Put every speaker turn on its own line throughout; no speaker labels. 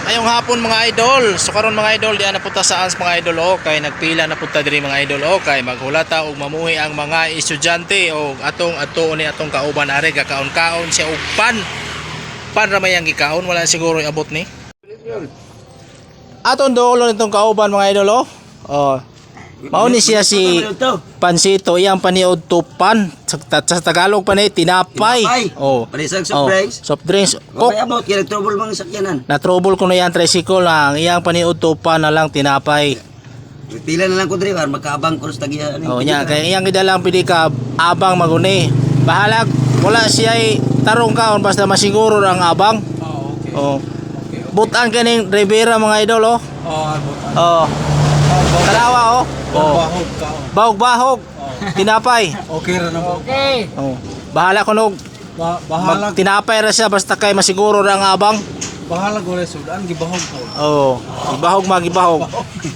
Ayong hapon mga idol. So karon mga idol, diyan na punta sa mga idol kay nagpila na punta diri mga idol kay maghulata og mamuhi ang mga estudyante og atong ni atong kauban are gakaon-kaon siya og pan. Pan ra may ang gikaon, wala siguro iabot ni. Atong duolo nitong kauban mga idol Oh. Mao ni siya si Pansito, iyang paniod tupan sa Tagalog pa ni tinapay. Oh.
Panisag soft drinks.
Soft drinks.
May abot kaya nag-trouble mga sakyanan.
Na trouble ko na yan tricycle lang, iyang paniod tupan na lang tinapay.
Pila na lang ko diri para makaabang ko sa tagihan.
Oh nya kay iyang gidalang pidi ka abang maguni. Bahalag wala siya tarong kaon basta masiguro ang abang.
Oh, okay.
Oh.
Okay.
Butan kaning Rivera mga idol
Oh, butan.
Oh. Tarawa
Bahog ka.
Bahog-bahog. Tinapay.
Okay ra na mo. Okay.
Oh. Bahala ko nog
Bahalag,
tinapay ra siya basta kay masiguro ra ang abang.
bahalag wala sudan gibahog ko.
Oh. Gibahog magibahog.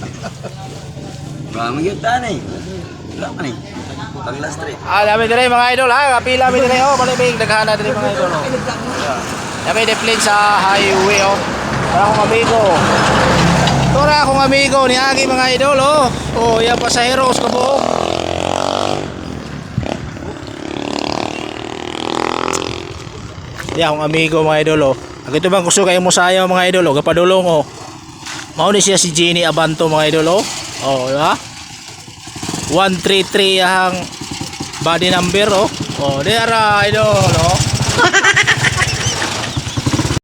Ba magyud tani. Wala man ni. Panglas street.
Dami dire mga idol ha. Kapila mi dire malibig daghana dire mga idol Dami deplin sa highway Para akong amigo. Tora akong amigo ni Agi mga idol Oh, yan pasaheros kabuok. Yan akong amigo mga idol Agito bang gusto kayo mo sayaw mga idol Gapadulong Mao ni siya si Jenny Abanto mga idol Oh, di ba? 133 ang body number Oh, di ara idol